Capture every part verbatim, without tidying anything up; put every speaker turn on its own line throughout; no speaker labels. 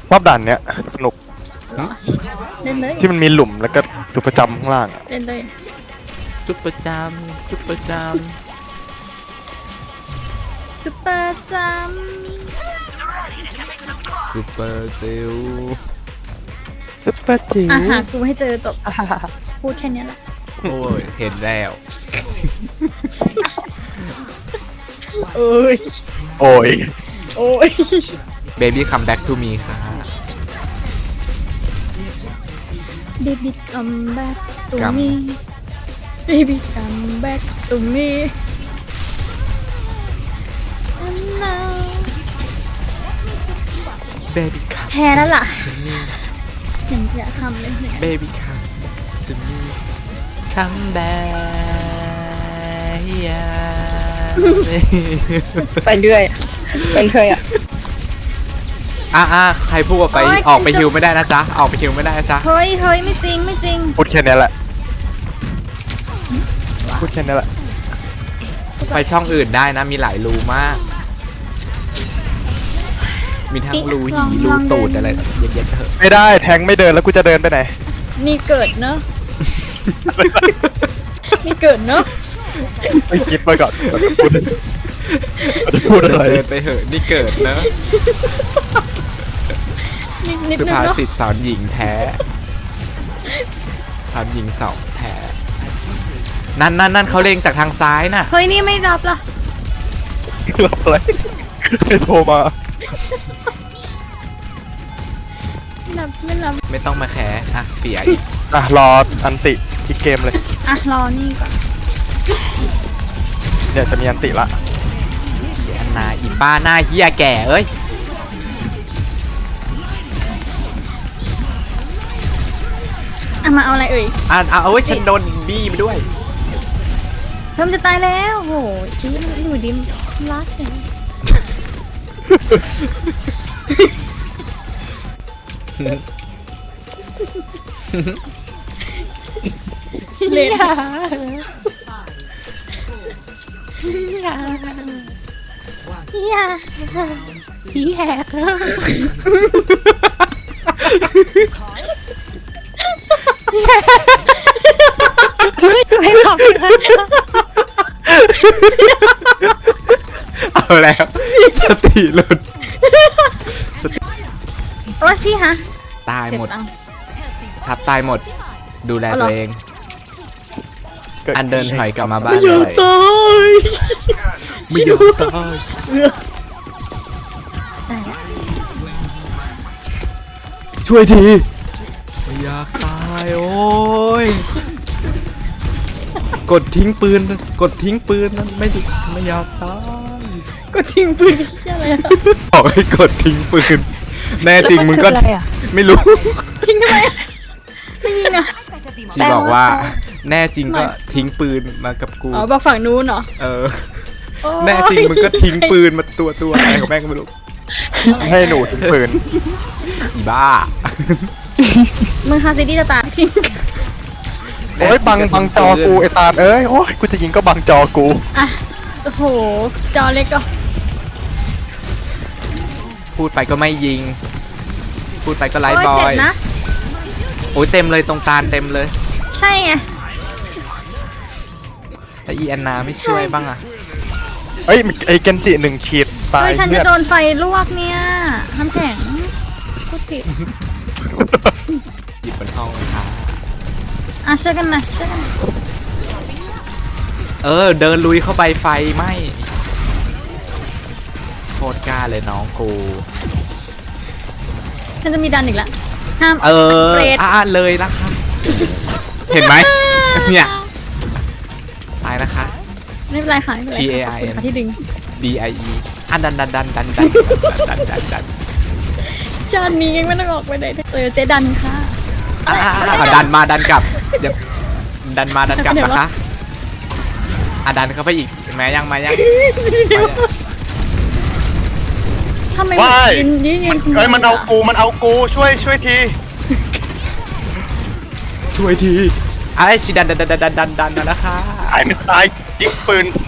รอบด่านเนี้ยสนุก
เล่นเลย
ที่มันมีหลุมแล้วก็สุประจำข้างล่างอะ
เล่นเลย
จุดประจำจุดประจ
ซุปเปอร์จัม
ำซูเปอร์เซล
ซุปเปอร์จิ๋ว
อ่ะหากูให้เจอจบพูดแค่นี้แหละ
โอ้ยเห็นแล้ว
โอ้ย
โอ้ย
โอ้ย
เบบี้คัมแบ็กทูมีค่ะ
Baby come back to me Baby come back to me And now
เบบี้คัม
แพ้แล้วล่ะ
ทูมี
เห็นอยากทำเลยเนี่ย
เบบี้คัมทูมีคัมแบ็กยา
ไปเรื่อยไปเรื่อยอ่ะ
อ่ะอ่ะใครพูดว่าไปออกไปฮิวไม่ได้นะจ๊ะออกไปฮิวไม่ได้นะจ๊ะ
เฮ้ยเฮ้ยไม่จริงไม่จริง
พูดแค่นี้แหละพูดแค่นี้แหละ
ไปช่องอื่นได้นะมีหลายรูมาก มีทั้งรูหีรูตูดอะไรเย็นๆเถอะ
ไม่ได้แทงไม่เดินแล้วกูจะเดินไปไหน
มีเกิดเนอะมีเกิดเนอะ
ไม่คิดมาก่อนก่อนจะพูดก่อนจะพูดอะไร
เดินไปเหอะนี่เกิดเนอะ
นิดนิด
สุ
นึง
ภา
เนอะ
ษิตสอนหญิงแท้สอนหญิงสองแท้นั่นนั่นนั่นเขาเล็งจากทางซ้ายน่ะ
เฮ้ยนี่ไม่รับล่ะ
รับอะไรใครโทรมา
ไม่รับไม่รับ
ไม่ต้องมาแคร์อ่ะเปียอีก
อ่ะรออันติอีกเกมเลย
อ่ะรอนี่ก่อน
เนี่ยจะมีอันติละ
อันนาอีป้าหน้าเฮียแก่เอ้ย
อ่ะมาเอาอะไรเอ่ย
อ่ะเอาเอาไว้ฉันโดนบี้ไปด้วย
เพิ่มจะตายแล้วโหชี้มันอยู่ดิมรักเนี่ยเล่นอย่าอย่าชี้แหกไม่ขอบคุณ
เอาแล้วสติหลุด
โอ๊ยพี่ฮะ
ตายหมด
เจ็บตังค์
ซับตายหมด ดูแล
เอาเหรอ
ตัวเอง
กิ
อันเดินถอยกลับมาบ้าน
ไม่
เล
อยาก
ย
ตาย
ไม่ยอมตาย
ตายแล้ว
ช่วยทีไม่อยากตายโอ้ยกดทิ้งปืนกดทิ้งปืนนั้นไม่ไม่อยากตาย
ก็ทิ้งปืนที่อะไรอะ
บอกให้กดทิ้งปืนแน่จริงมึงก็ไม่รู้
ทิ้งทำไมอะไม่ยิงอะ
ชีบอกว่าแน่จริงก็ทิ้งปืนมากับกู
อ๋อบอกฝั่งนู้นเหรอ
เออ
โอ้ย
แน่จริงมึงก็ทิ้งปืนมาตัวตัวอะไรของแม่งก็ไม่รู้
ให้หนูถึงปืน
อีบ้า
มึงคาซิดี้จะตายทิ้ง
โอ้ยบังบังจอกูไอตาลเอ้ยโอ้ยกูจะยิงก็บังจอกู
อ่ะโอ้โหจอเล็กก็
พูดไปก็ไม่ยิง พูดไปก็ไล่
โอ้ย
บอ
เจ็บ
ย
นะ
โอ้ยเต็มเลยตรงตาลเต็มเลย
ใช่ไง
แต่อีแอนนาไม่ช่วยบ้างอะ
เอ้ยไอเกนจิหนึ่งขีดตา
เฮ้
ย
ยฉัน
เลื
จะ
อด
โดนไฟลวกเนี่ยน้ำแข็งพูดผิด
หยิบบนห้องเลยค่ะ
อ่ะช่วยกันหนะช่วยกันหน่อย
เออเดินลุยเข้าไปไฟไหม้โคตรกล้าเลยน้องกู
ฉันจะมีดันอีกแล้วห้าม
เออ
เฟรด
อ่าเลยนะคะ เห็นไหมเนี่ยตายนะคะ
ไม่เป็นไรค่ะไม่เป็นไร
T A I N
ขอบคุณค่ะที่ดึง
D I E อันดันดันดันดันดันดันดันดัน
ชาตินี้ยังไม่ต้องออกไปไหนเจอเจดันค่ะ
อ่าดันมาดันกลับเดี๋ยวดันมาดันกลับนะคะอ่ะดันเข้าไปอีกแม้ยังมายัง
ทำไม
ว้าย
ยืนยืนยืน
เอ้ยมันเอากูมันเอากูช่วยช่วยที
ช่วยทีไอ้ชิดันดันดันดันดันดันนะคะ
ตายไม่ตายยิงปืน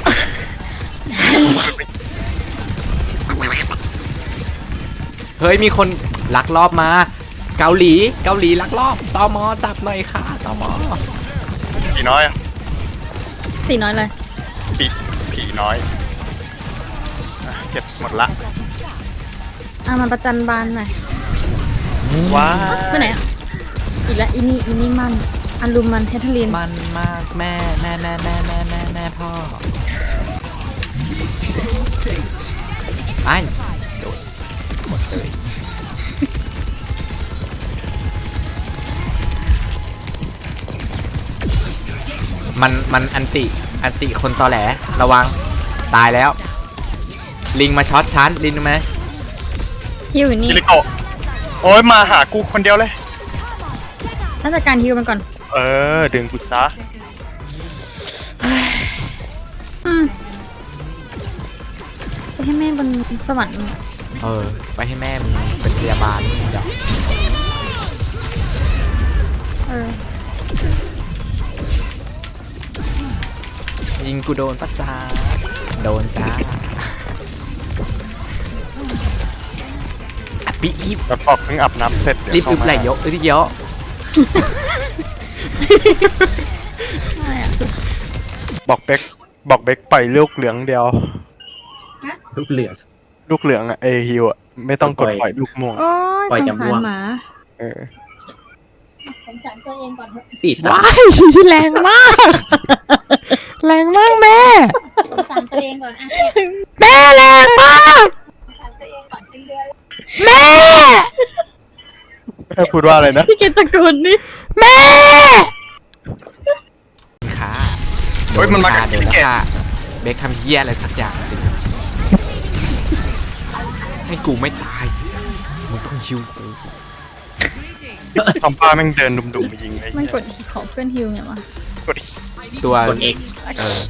เฮ้ยมีคนลักลอบมาเกาหลีเกาหลีลักลอบตมจับหน่อยค่ะตม
ผีน้อยอะ
ตีน้อยเลย
ผีผีน้อยอ่ะเก็บหมดละ
อ่ะมาประจันบานหน่อย
ว้า
ไปไหนอ่ะอีกแล้วอีนี่อีนี่มันอันลุมมันเททลีน
มันมากแม่แม่แม่แม่แม่แม่แม่พ่อไอ้โดดหมดเลยมันมันอันติอันติคนตอแหลระวังตายแล้วลิงมาช็อตชั้นลิงรู้ไหม
ฮิวอยู่นี่
อิริโกะโอ้ยมาหากูคนเดียวเลย
ถ้าจัดการฮิวมันก่อน
เออดึงกูซะ
อืมไปให้แม่บนสวรรค์
เออไปให้แม่มึงเป็นพยาบาลเดี๋ยว
เออ
ยิงกูโดนปะจ้าโดนจ้าอ่ะปีอีฟ
แล้วพอเพิ่งอาบน้ำเสร็จ
รีบ
เดี๋
อึ
ยว
บไหล
เข้ามา
เยอะอึบเยอะ
อะไรอ่ะ
บอกเบกบอกเบกปล่อยลูกเหลืองเดียว
ทุกเหลือง
ลูกเหลืองอะเอฮิวอะไม่ต้องกด
ปล่อย
ปล่อยลูกม่วง
โอ้ย
ปล่อย
สง
จำ
สา
ม่
ร
วง
หมา
เออ
สงสารตัวเองก่อนเถอะ
ติด
ว้ายแรงมาก แรงมากแม่
สงสารตัวเองก่อนอ่ะ
แม่แรงมาก
สงสารตัวเองก่อนเป็นเดือน
แม่
แม่พูดว่าอะไรนะ
พี่เกตตะโกนนี่
แม่ค่ะ
เฮ้ยมันมากับ
โดน
พี่
แล้ว
เกด
ค่ะเบคทำเฮี้ยอะไรสักอย่างสิให้กูไม่ตายมึงต้องชิวกู
ทำป้าแม่งเดินดุ่มๆมายิงไอ้
มัน
เหี้ย
กดขอเพื่อนฮิวไงวะ
กดอีก
ตัว
กด X
เออ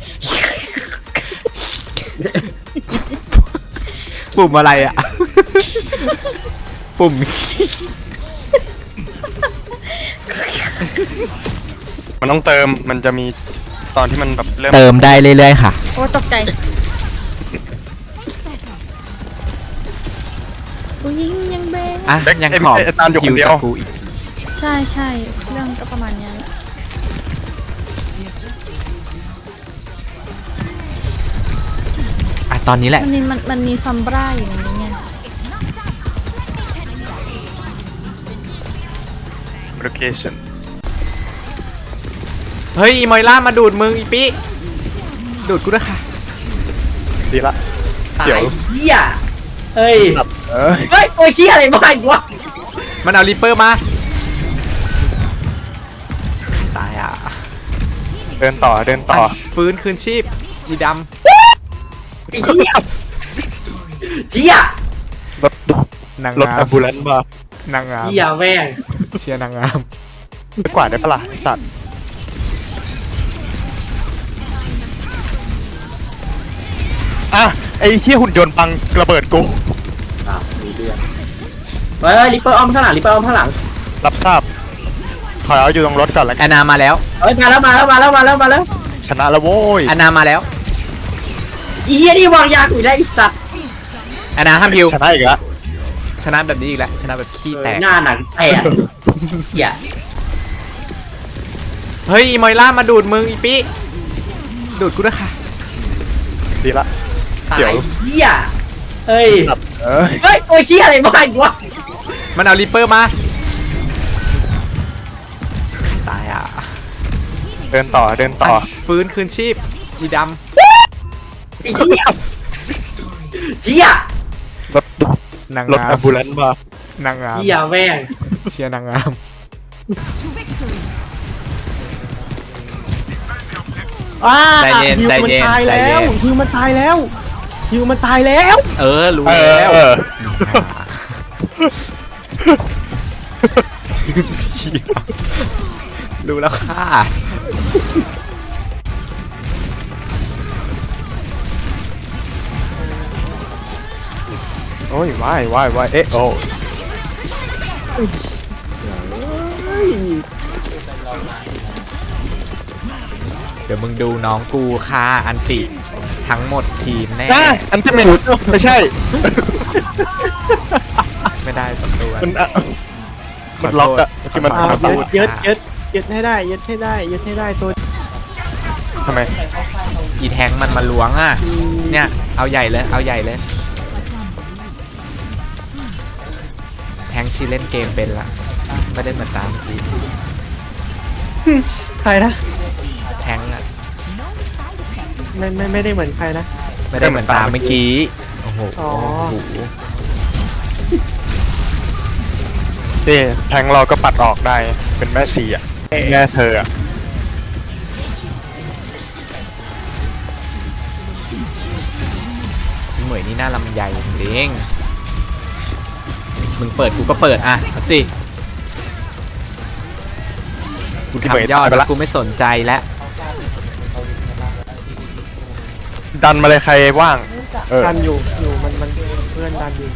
ปุ่มอะไรอ่ะ ปุ่ม
มันต้องเติมมันจะมีตอนที่มันแบบเริ่ม
เติมได้เรื่อยๆค่ะ
โอ้ตกใจกูยิงยังเบง
อ่ะ ยังขอคิวจากกูอีก
ใช่ใช่เรื่องก็ประมาณเนี้ยแหละ
อ่ะ ตอนนี้แหละ
มันมีมันมันมีซัมบราอยู่ในนี้ไง
โลเคชั่น
เฮ้ยอีมอยล่ามาดูดมึงอีปิดูดกูด้วยค่ะ
ดีละ
ตา
เดี๋ย
ยว เหี้ยเฮ้ย
เอ้ย
เฮ้ยตัวเหี้ยอะไรมาอีกวะ
มันเอาริปเปอร์มา ตายอ่ะ
เดินต่อเดินต่อ
ฟื้นคืนชีพอีด
ไอ้เหี้ยเหี้ย
รถ
ำนาง
รถ
งา
แอ
ม
มบูเลนซ์มา
นางงาม
เหี้ยแม่ง
เชียร์นางงาม
ไปกวาดได้ปะล่ะไอ้สัตว์อ่ะไอ้เหี้ยหุ่นยนต์บังระเบิดกู
อ้าวมีเรื่องเฮ้ยลิปเปอร์อ้อมข้างหลังลิปเปอร์อ้อมข้างหลัง
รับทราบถอยเอาอยู่ตรงรถก่อนแล้ว
แอ
กัน
นนามาแล้ว
เฮ้ยมาแล้วมาแล้วมาแล้วมาแล้วมาแล้ว
ชนะแล้วโว้ย
แอนนามาแล้ว
อีเหี้ยนี่วางยากูได้ไอ้สัตว์
แอนนาห้ามพิว
ชนะอีกแล้ว
ชนะแบบนี้อีกแล้วชนะแบบขี้แตก
หน้าหนังแตกเหี้ย
เฮ้ยอีมอยล่ามาดูดมึงอีปิดูดกูด้วยค่ะ
ดีละ
ตา
เดี๋ย
ยว เหี้ยเฮ้ย
สัตว์เอ้ย
เฮ้ยตัวเหี้ยอะไรมาอีกวะ
มันเอาริปเปอร์มา ตายอ่ะ
เดินต่อเดินต่อ
ฟื้นคืนชีพอีด
ไอ้เหี้ยเหี้ย
รถ
ำนาง
รถ
งา
แอ
ม
มบูเลนซ์มา
นางงาม
เหี้ยแม่ง
เชียร์นางงาม
อ้า
ใจเย็นใจเย็นใจเย็น
ฮิวมันตายแล้วฮิวมันตายแล้ว
เออ รู้
เอ
แล้ว
อ
รู้แล้วค่ะ
โอ้ยว่ายว่ายว่ายเอ๊ะโอ้
เดี๋ยวมึงดูน้องกูค่ะอันติทั้งหมดทีมแน่
น่าอันที่ไม่ไม่ใช่
ไม่ได้สักตัว
มันอะมันล็อกอะที่มัน
ขอ
อ่า
โทษ
ยึดยึดยึดยึดให้ได้ยึดให้ได้ยึดให้ได้ตัว
ทำไม
อีแทงมันมาล้วงอ่ะเนี่ยเอาใหญ่เลยเอาใหญ่เลยแทงชีเล่นเกมเป็นละไม่ได้เหมือนตามที
ใครนะ
แทงอ่ะ
ไม่ไม่ไม่ได้เหมือนใครนะ
ไม่ได้เหมือนตามเมื่อกี้โอ้โห
อ๋อ
โอ้โห
นี่แทงเราก็ปัดออกได้เป็นแม่ชีอะแม่เธออะ
เหมยนี่น่าลำใหญ่จริงมึงเปิดกูก็เปิดอ่ะเอาสิกู
ที่เหมย
ทำยอด
ตายไป
แล้
ละ
วกูไม่สนใจแล้ว
ดันมาเลยใครว่างเออ
ดันอยู่อยู่มันมันเพื่อนดันอยู่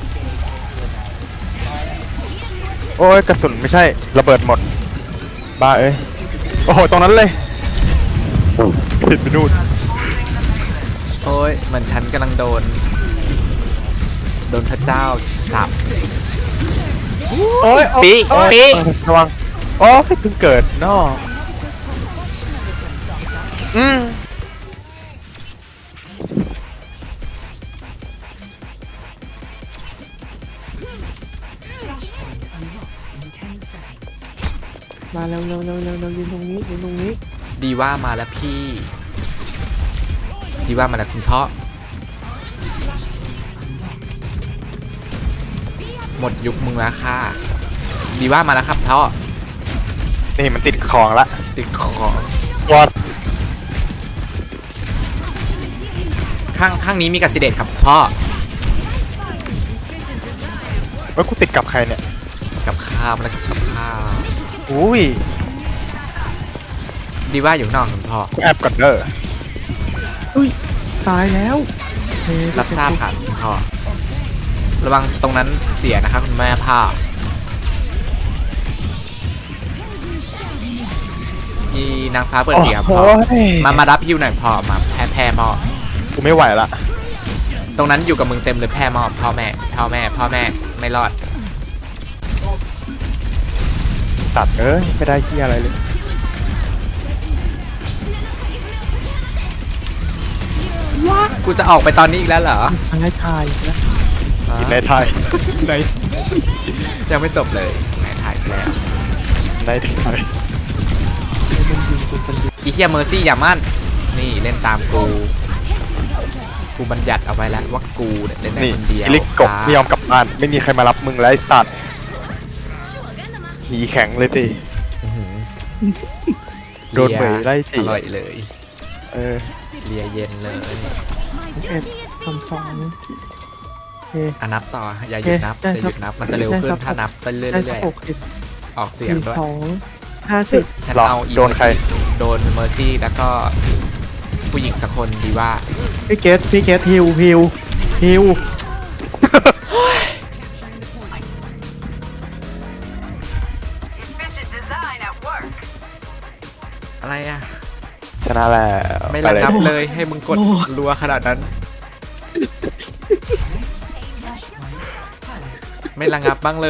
โอ้ยกระสุนไม่ใช่ระเบิดหมดบ้าเอ้ยโอ้โหตรงนั้นเลยผิดไปนู่น
โอ้ยเหมือนฉันกำลังโดนโดนพระเจ้าสับ
โอ้ย
ปี
โอ้ย
ปี
ระวังโอ้ยเพิ่งเกิดนออืม
มาเร็วเร็วเร็วเร็วเร็วยืนตรงนี้ยืนตรงนี้
ดีว่ามาแล้วพี่ดีว่ามาแล้วคุณพ่อหมดยุคมึงแล้วค่ะดีว่ามาแล้วครับพ่อ
นี่มันติดของละ
ติดของ
ตัว
ข้างข้างนี้มีกัสซิเดตครับพ่อ
ว่ากูติดกับใครเนี่ย
กับข้าวแล้วกับข้าว
อุ้ย
ดีว่าอยู่ข้างนอกคุณพ่อ
กูแอบก่อนเด้อ
อุ้ยตายแล้วเฮ้ย
รับทราบค่ะคุณพ่อระวังตรงนั้นเสียนะครับคุณแม่พ่ออีนางฟ้าเปิดเดียครับพ่อ
โอ้ย
มามารับฮิวหน่อยพ่อมาแพ้แพ้พ่อ
กูไม่ไหวละ
ตรงนั้นอยู่กับมึงเต็มเลยแพ้มอบพ่อแม่พ่อแม่พ่อแม่ไม่รอด
ตัดเอ้ยไม่ได้ที่อะไรเลย
กูจะออกไปตอนนี้อีกแล้วเหรอ
ทางให้ทายนะ
กินในไทย
ไหนยังไม่จบเลยไหนถ่ายซะแล้ว
ในไทย
อีเฮียเมอร์ซี่อย่ามั่นนี่เล่นตามกูกูบัญญัติเอาไว้แล้วว่ากูเนี่ยเล่นได้
นี่
คนเดียว
ลิกกบไม่ยอมกลับบ้านไม่มีใครมารับมึงแล้วไอ้สัตว์หีแข็งเลยติ
อื้อหือ
โดนเหมยไล่จี
อร่อยเลย
เออ
เลียเย็นเลย
เอ็ดทำสองเฮ้
อ่ะนับต่ออย่าหยุดนับ
ได้
อย่า
ครับ
หยุดนับมันจะเร็วขึ้น
ได้ครับ
ถ้านับไปเรื่
ได้
อย
หกสิบ
ๆออกเสียง
สี่
ด้วย
สองห้าสิบ
ฉัน
หรอ
เอาอี
โดนใคร
โดนเมอร์ซี่แล้วก็ผู้หญิงสักคนดีว่า
พี่เกตพี่เกตฮิวฮิวฮิว
อะไรอ่ะ
ชนะแล้ว
ไม่
ไประ เลย
งับเลยให้มึงกดรัวขนาดนั้น ไม่ระงับบ้างเลย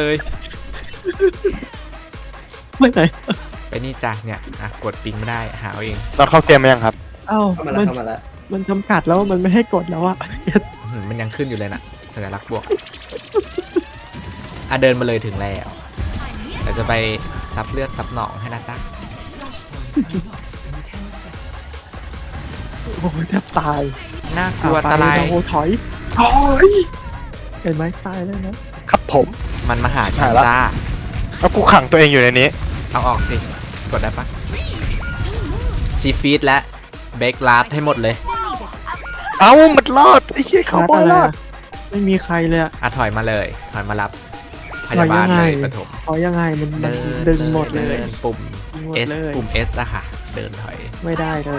ไม่ไหน
ไปนี่จ้ะเนี่ยอ่ะกดปิงไม่ได้หาเอาเอง
เราเข้าเกมมายังครับ
เอ้า
เข้ามา
มั
แล้ว
น
เข้ามาแล้ว
มันจำกัดแล้วมันไม่ให้กดแล้วอะ
อื้อหือมันยังขึ้นอยู่เลยนะสัญลักษณ์บวกอ่ะเดินมาเลยถึงแล้วเราจะไปซับเลือดซับหนองให้นะจ๊ะ
โอ้ยแทบตาย
น่ากลัวตะไล
โอ้โหถอยถอยเห็นไหมตายแล้วนะครับ
ผม
มันมาหาฉัน
หายละ
จ้า
แล้วกูขังตัวเองอยู่ในนี้
เอาออกสิกดได้ปะชีฟีดและเบคลาสให้หมดเลย
เอ้ามันรอดไอ้เหี้ยเขาบอยรอด
ไม่มีใครเลยอะ
อ่ะถอยมาเลยถอยมารับพยาบาลเลยปฐม
ถอยยังไงมันมัน
เดิน
ดึงหมดเลย
ดินปุ่ม
ดึงหมด
S
เลย
ปุ่ม S อะค่ะ เดินถอย
ไม่ได้เลย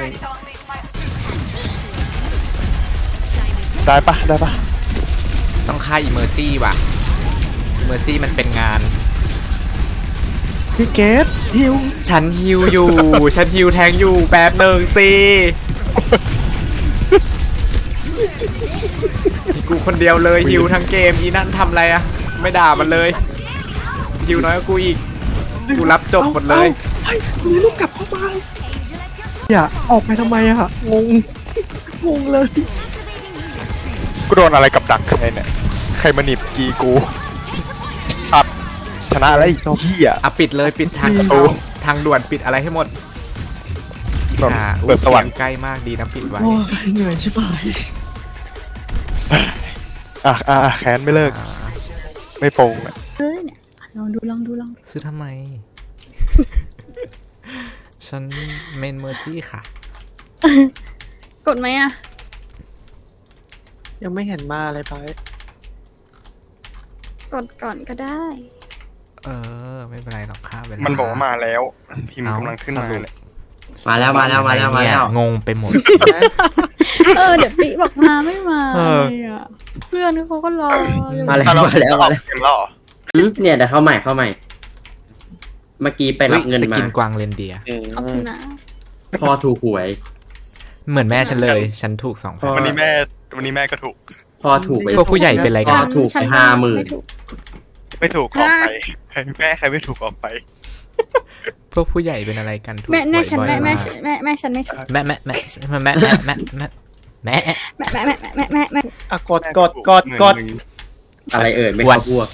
ได้ปะได้ปะ
ต้องฆ่าอีเมอร์ซี่ว่ะอีเมอร์ซี่มันเป็นงาน
พี่เกตฮิว
ฉันฮิวอยู่ ฉันฮิวแทงอยู่แป๊บหนึ่งสิกูคนเดียวเลยฮิวทั้งเกมอีนั่นทำอะไรอะไม่ด่ามันเลยฮิวน้อยกว่ากูอีกกูรับจบหมดเลย
เฮ้ยนี่ลูกกลับเข้ามาอย่าออกไปทำไมอะงงงงเลย
กูโดนอะไรกับดักใครเนี่ยใครมาหนีบกีกูสัตว์ชนะแล้วไอ้เหี้ย
อ่ะปิดเลยปิดทาง
ประตู
ทางด่วนปิดอะไรให้หมด
แบบ
อ่า
เปิดสวรรค์
เสียงใกล้มากดีนะปิดไว้
โอ้ยเหนื่อยชิบหาย
อ่ะอ่ะอ่ะแค้นไม่เลิก
อ่า
ไม่โปร่งอะ
เอ้ยเนี่ยลองดูลองดูลองดู
ซื้อทำไม ฉันเมนเมอร์ซี่ค่ะ
กดไหมอะ
ยังไม่เห็นมาเลยไป
กดก่อนก็ได้
เออ ไม่เป็นไรหรอกค่ะเวลา
มั
มัน
บอกว่ามาแล้วพิมพ์กำลังขึ้นมาเลย
มาแล้วมาแล้วมาแล้วมาแล้ว
งงไปหมด
เออเดี๋ยวปิบอกมาไม่มา
เออ
เลยอะเพื่อนเขาก็รออยู่
มาแล้ว
อ่ะ
มาแล้วมาแล้ว
เห็นแล้วเหรอ
หืมเนี่ยเดี๋ยวเข้าใหม่เข้าใหม่ เมื่อกี้ไปรับเงิน
ส
มา
กินกวางเรนเดียร์
ขอบคุณนะ
พ่อถูกหวย
เหมือนแม่ฉันเลย ฉันถูกสองพัน
วันนี้แม่วันนี้แม่ก็ถูก
พ่อถูกไป
พวกผู้ใหญ่เป็นไร
พ่
กั
อน ถูก
ฉั
ไป
น
ห้าหมื่น
ไถูก
ไม่ถูกออกไปใครแม่ใครไม่ถูกออกไป
พวกผู้ใหญ่เป็นอะไรกันถูก
แม่แม่ฉัน
บ่อยๆ
แม่แม่
มาก
แม่แม่ฉันไม่ถูก
แม่แม่แม่แม่แม่แม่แม่แม่แม่
แม่แม่แม่แม่แม่แม่
อ่ะกดกดกดกด
อะไรเอ่ยไม่เข้าพวก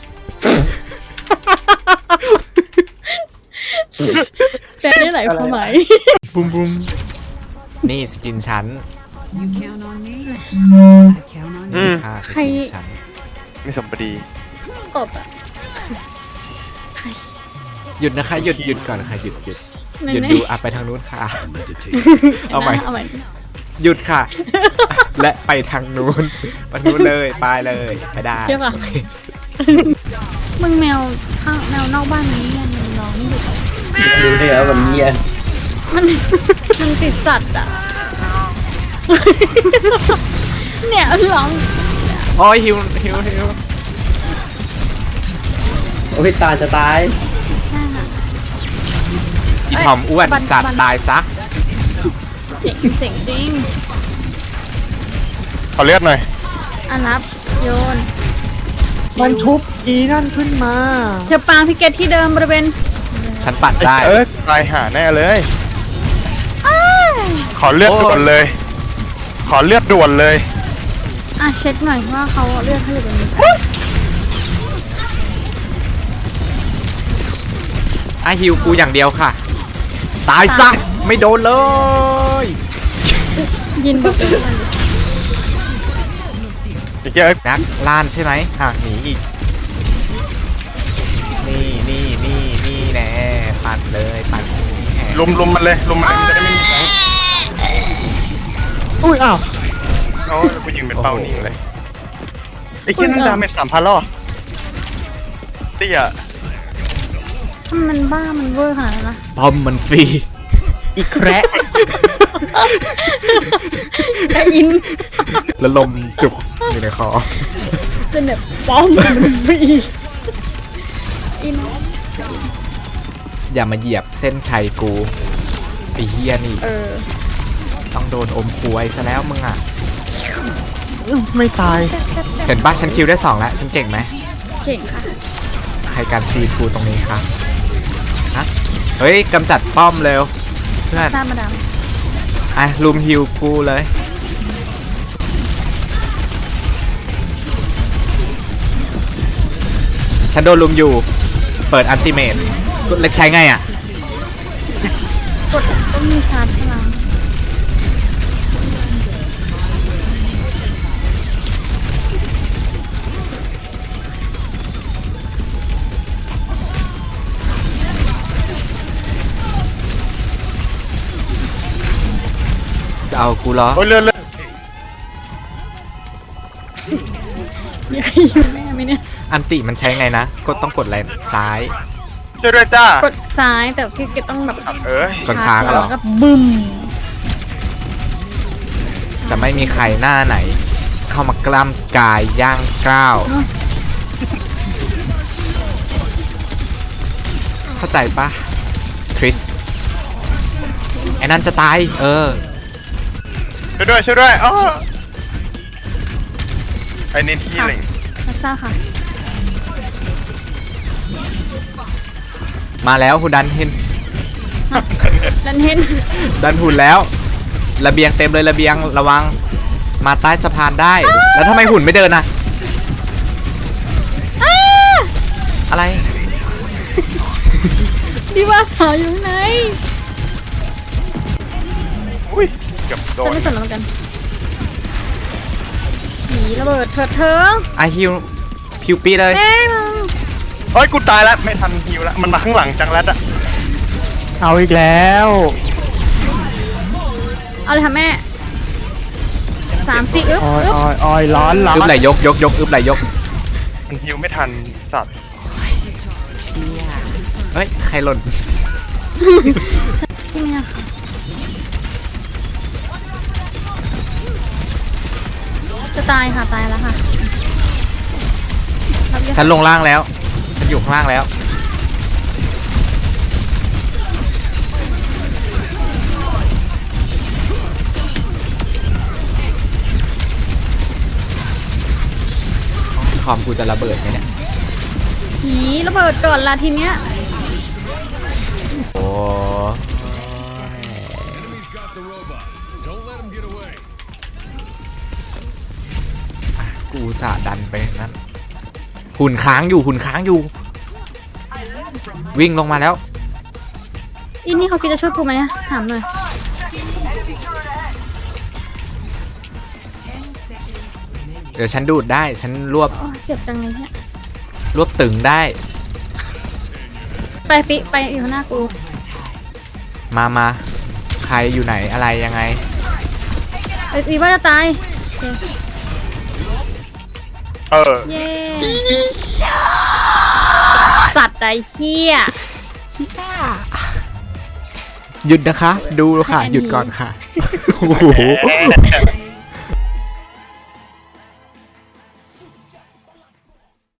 แปลได้หลายความหมาย
บุ้มบุ้มนี่สกินฉัน
You count on me. I count on
อื
you.
ม
ค่ะส
ใคร
กินฉัน
ไม่สมบดี
ตบอะใคร
หยุดนะคะหยุดหยุดก่อนค่ะหยุดหยุด
ไหน
หยุด
ไหน
ดูอ่ะไปทางนู้นค่ะ เอาใหม่
เอาใหม่
หยุดค่ะ และไปทางนู้นไปนู้นเลยไปเลยไปได้
เชื่อป่ะ
โอเค
มึงแมวข้างแมวนอกบ้านนี้เนี่ยมันร้องไม่หยุด
ดูได้แล้ววันนี้
มันมันติดสัตว์อ่ะ เนี่ยร้อง
โอ้ยฮิวฮิวฮิว
โอ้ยตาจะตาย
อีทอมอ้วนสัตว์ตายซะ
เจ๋งเจ๋งจริง
ขอเลือดหน่อย
อันนับโยน
มันชุบอีนั่นขึ้นมา
เธอปางพิเกตที่เดิมบริเวณ
ฉันปั่นได้
เออตายหาแน่เลย ขอเลือดด่วนเลย ขอเลือดด่วนเลย
อ่ะเช็คหน่อยว่าเขาเลือกให้หรือเป็น
อ่ะฮิวกูอย่างเดียวค่ะ ตายซะไม่โดนเลย
ยินบอกเลย
อีกเยอะ
นักล่านใช่ไหมหากหนีอีก นี่นี่นี่นี่แน่ปัดเลยปัดแหม
ลุมลุมมันเลยลุมมันเลยมันจะได้ไม่มีแสง
อุ้ยอ้าว
โอ้ยกูยิงเป็นเป้านิ่งเลยไอ้เหี้ยนั่นดาเมจสามพันแล้วเหรอเตี้ย
ถ้ามันบ้ามันเวอร์ขนาดนั้นนะ
ปอมมันฟรี
อีกแคระ
แต่อิน
แล้วลมจุกอยู่ในคอ
เป็นแบบป้อมมันฟรีอิน
อย่ามาเหยียบเส้นชัยกูไอ้เฮียนี่
เออ
ต้องโดนอมควยซะแล้วมึงอ่ะ
ไม่ตาย
เห็นปะฉันคิวได้สองแล้วฉันเก่งไหม
เก่งค่ะ
ใครการซีทูตรงนี้ครับฮะเฮ้ยกำจัดป้อมเร็วเพื่อน
ทราบมาดาม
อ่ะลุมฮิวกูเลย ฉันโดนลุมอยู่ เปิดอันติเมตเล็กใช้ไงอ่ะ
กดก็มีชาร์จพลัง
จะเอากูเหรอ
โอ้ยเลือดเลือด
มีใครอยู่แม่ไหมเนี่ย
อันติมันใช้ไงนะกดต้องกดอะไรซ้าย
ช่วยด้วยจ้าก
ดซ้ายแต่พี่เกตต้องแบบ
เอ้ย
กดค้างอะเหรอ
แล้วก็บึ้ม
จะไม่มีใครหน้าไหน เข้ามากล้ำกายย่างก้าวเข้าใจปะคริสไอ้นั่นจะตาย เออ
ช่วยด้วยช่วยด้วยอ๋อไอ้นี่ที่อะไร
พระเจ้าค่ะ
มาแล้วหุ่นดันเห็น
ดันเห็น
ดันหุ่นแล้ว ระเบียงเต็มเลยระเบียงระวังมาใต้สะพานได้ แล้วทำไมหุ่นไม่เดินน่ะอะไร
ดีว่าสาวอยู่ข้างใน
อุ้ยเกือบโด
ฉัน
น
ไม่สนแล้วเหมือนกันผีระเบิดเถิดเทิง
ไอฮิวพิวปีเลย
แม่ง
เฮ้ยกูตายแล้วไม่ทันฮิวแล้วมันมาข้างหลังจังแรดอะเอาอีกแล้ว
เอาเลยค่ะแม่สามสี่อึ๊บ
ออย
อึ๊บ
ออยออยร้อนร้อน
อึบไหลยกยกยกอึบไหลยก
มันฮิวไม่ทันสัตว์
เฮ้ยใครหล่น
ที่เนี่ยค่ะจะตายค่ะตายแล้วค่ะรับยา
ฉันลงล่างแล้วฉันอยู่ข้างล่างแล้วคอมกูจะระเบิดไหมเนี่ย
ผีระเบิดก่อนละทีเนี้ย
โอ้กูอุตสาห์ดันไปนั่นหุ่นค้างอยู่หุ่นค้างอยู่ วิ่งลงมาแล้ว
อินนี่เขาคิดจะช่วยกูไหมอะถามหน่อย
เดี๋ยวฉันดูดได้ฉันรวบ
โอ้เจ็บจังเลยเนี่ย
รวบตึงได้
ไปปิไปอยู่ข้างหน้ากู
มามาใครอยู่ไหนอะไรยังไง
เอ้ยอีว่าจะตายโอเค
เออ
เย้สัตว์ไอ้เหี้ย
หยุดนะคะ ดูค่ะ หยุดก่อนค่ะโอ้โห